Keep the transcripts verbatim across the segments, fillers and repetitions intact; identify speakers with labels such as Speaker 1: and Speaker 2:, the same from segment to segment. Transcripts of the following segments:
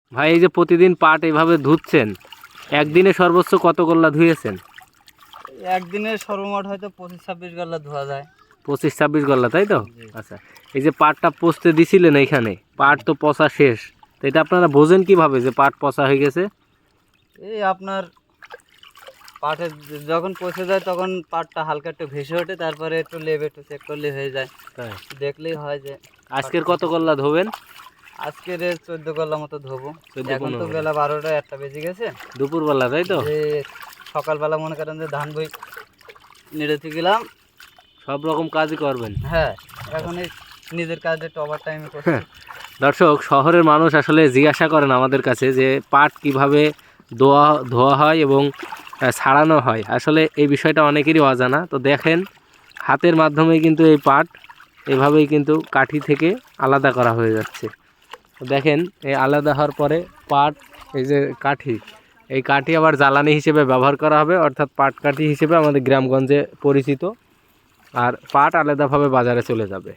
Speaker 1: ভাই এই যে প্রতিদিন পাট এইভাবে ধুচ্ছেন, একদিনে সর্বোচ্চ কত গোল্লা ধুয়েছেন?
Speaker 2: একদিনে সর্বমোট হয়তো পঁচিশ ছাব্বিশ গাল্লা ধোয়া যায়।
Speaker 1: পঁচিশ ছাব্বিশ গোল্লা, তাই তো?
Speaker 2: জি।
Speaker 1: আচ্ছা, এই যে পাটটা পচতে দিছিলেন এইখানে, পাট তো পচা শেষ, তো এটা আপনারা বোঝেন কিভাবে যে পাট পচা হয়ে গেছে?
Speaker 2: এই আপনার পাটে যখন পচে যায় তখন পাটটা হালকা একটু ভেসে ওঠে, তারপরে একটু লেবে একটু চেক করলে হয়ে যায়,
Speaker 1: তাই?
Speaker 2: দেখলেই হয় যে।
Speaker 1: আজকের কত গোল্লা ধোবেন?
Speaker 2: আজকের চোদ্দ গল্লা মতো ধোবো।
Speaker 1: চোদ্দ
Speaker 2: এখন তো
Speaker 1: পনেরো
Speaker 2: বেলা বারোটা একটা বেজে গেছে।
Speaker 1: দুপুরবেলা, তাই তো?
Speaker 2: যে সকালবেলা মনে করেন যে ধান বই নেড়েতে গেলাম,
Speaker 1: সব রকম কাজই করবেন।
Speaker 2: হ্যাঁ এখন এই নিজের কাজে একটু ওভার টাইমে করছি।
Speaker 1: দর্শক, শহরের মানুষ আসলে জিজ্ঞাসা করেন আমাদের কাছে যে পাট কিভাবে ধোয়া ধোয়া হয় এবং আহ, ছাড়ানো হয়। আসলে এই বিষয়টা অনেকেরই অজানা। তো দেখেন, হাতের মাধ্যমে কিন্তু এই পাট এভাবেই কিন্তু কাঠি থেকে আলাদা করা হয়ে যাচ্ছে। তো দেখেন, এই আলাদা হওয়ার পরে পাট, এই যে কাঠি, এই কাঠি আবার জ্বালানি হিসেবে ব্যবহার করা হবে, অর্থাৎ পাট কাঠি হিসেবে আমাদের গ্রামগঞ্জে পরিচিত। আর পাট আলাদাভাবে বাজারে চলে যাবে।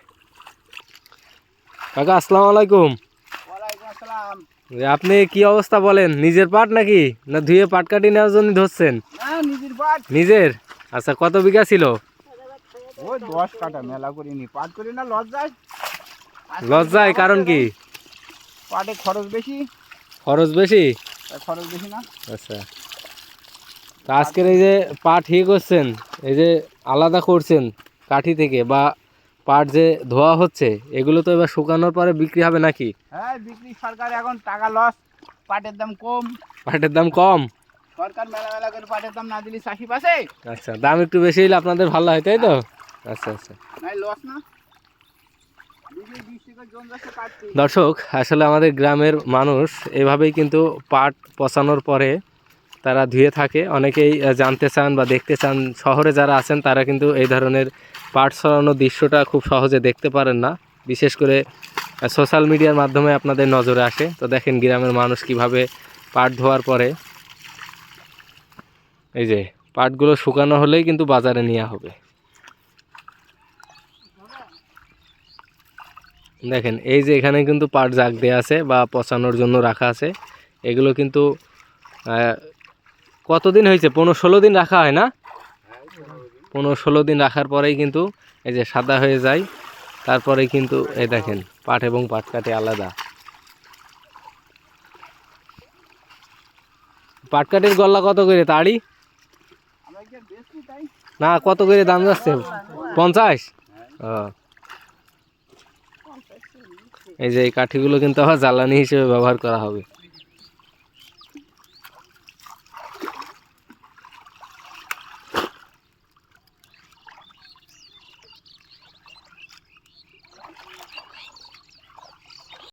Speaker 1: কাকা আসসালামু আলাইকুম।
Speaker 2: ওয়ালাইকুম আসসালাম।
Speaker 1: যে আপনি কি অবস্থা বলেন, নিজের পাট নাকি না ধুয়ে পাট কাটি নেওয়ার জন্য ধরছেন?
Speaker 2: না নিজের পাট।
Speaker 1: নিজের? আচ্ছা, কত বিঘা ছিল?
Speaker 2: ওই দশ কাটা, মেলা করিনি, পাট করি না লজ্জায়।
Speaker 1: লজ্জায় কারণ কি?
Speaker 2: পাটে খরচ বেশি।
Speaker 1: খরচ বেশি?
Speaker 2: তাই খরচ বেশি না।
Speaker 1: আচ্ছা, তা আজকের এই যে পাট ইয়ে করছেন, এই যে আলাদা করছেন কাঠি থেকে, বা পাট যে ধোয়া হচ্ছে, এগুলো তো এবার শুকানোর পরে বিক্রি হবে নাকি?
Speaker 2: হ্যাঁ বিক্রি, সরকার এখন টাকা লস, পাটের দাম কম।
Speaker 1: পাটের দাম কম?
Speaker 2: সরকার মেলা মেলা করে পাটের দাম না দিলে চাষি পাশে
Speaker 1: আচ্ছা, দাম একটু বেশি হলে আপনাদের ভালো হয়, তাই তো? আচ্ছা আচ্ছা।
Speaker 2: নাই লস না। বিঘে বিশ টাকা জন যাচ্ছে কাটতে।
Speaker 1: দর্শক, আসলে আমাদের গ্রামের মানুষ এভাবেই কিন্তু পাট পচানোর পরে তারা ধুয়ে থাকে। অনেকেই আহ, জানতে চান বা দেখতে চান, শহরে যারা আছেন তারা কিন্তু এই ধরনের পাট ছড়ানোর দৃশ্যটা খুব সহজে দেখতে পারেন না, বিশেষ করে সোশ্যাল মিডিয়ার মাধ্যমে আপনাদের নজরে আসে। তো দেখেন গ্রামের মানুষ কিভাবে পাট ধোয়ার পরে এই যে পাটগুলো শুকানো হলেই কিন্তু বাজারে নেওয়া হবে। দেখেন এই যে এখানে কিন্তু পাট জাগ দেওয়া আছে বা পচানোর জন্য রাখা আছে। এগুলো কিন্তু আহ, কতদিন হয়েছে? পনেরো ষোলো দিন রাখা হয় না? পনেরো ষোলো দিন রাখার পরেই কিন্তু এই যে সাদা হয়ে যায়। তারপরে কিন্তু এই দেখেন পাট এবং পাট কাঠি আলাদা। পাট কাঠির গল্লা কত করে তাড়ি? না, কত করে দাম যাচ্ছে? পঞ্চাশ? ও, এই যে এই কাঠিগুলো কিন্তু আবার জ্বালানি হিসেবে ব্যবহার করা হবে।